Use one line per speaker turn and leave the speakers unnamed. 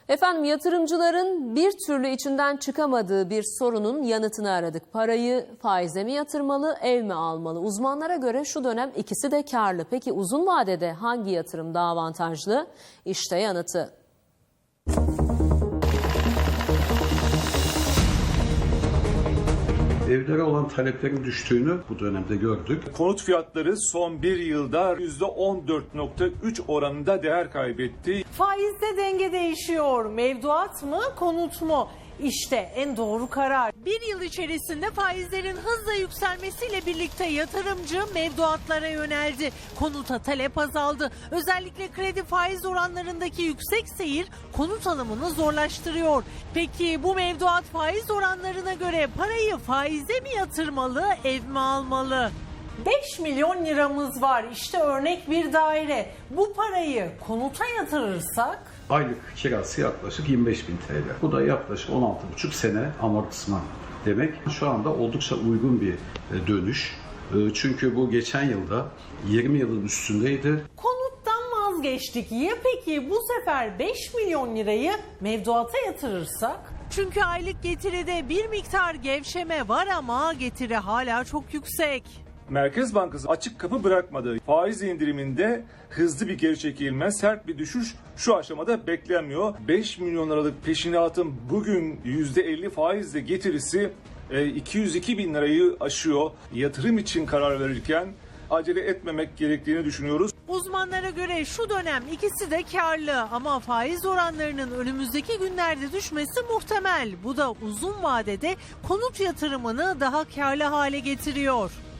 Efendim, yatırımcıların bir türlü içinden çıkamadığı bir sorunun yanıtını aradık. Parayı faize mi yatırmalı, ev mi almalı? Uzmanlara göre şu dönem ikisi de karlı. Peki uzun vadede hangi yatırım daha avantajlı? İşte yanıtı.
Evlere olan taleplerin düştüğünü bu dönemde gördük.
Konut fiyatları son bir yılda %14,3 oranında değer kaybetti.
Faizde denge değişiyor. Mevduat mı, konut mu? İşte en doğru karar.
Bir yıl içerisinde faizlerin hızla yükselmesiyle birlikte yatırımcı mevduatlara yöneldi. Konuta talep azaldı. Özellikle kredi faiz oranlarındaki yüksek seyir konut alımını zorlaştırıyor. Peki bu mevduat faiz oranlarına göre parayı faize mi yatırmalı, ev mi almalı?
5 milyon liramız var. İşte örnek bir daire. Bu parayı konuta yatırırsak
Aylık kirası yaklaşık 25.000 TL. Bu da yaklaşık 16,5 sene amortisman demek. Şu anda oldukça uygun bir dönüş. Çünkü bu geçen yılda 20 yılın üstündeydi.
konuttan vazgeçtik. Ya peki bu sefer 5 milyon lirayı mevduata yatırırsak?
Çünkü aylık getiride bir miktar gevşeme var ama getiri hala çok yüksek.
Merkez Bankası açık kapı bırakmadı. Faiz indiriminde hızlı bir geri çekilme, sert bir düşüş şu aşamada beklenmiyor. 5 milyon liralık peşinatın bugün %50 faizle getirisi 202 bin lirayı aşıyor. Yatırım için karar verirken acele etmemek gerektiğini düşünüyoruz.
Uzmanlara göre şu dönem ikisi de karlı ama faiz oranlarının önümüzdeki günlerde düşmesi muhtemel. Bu da uzun vadede konut yatırımını daha karlı hale getiriyor.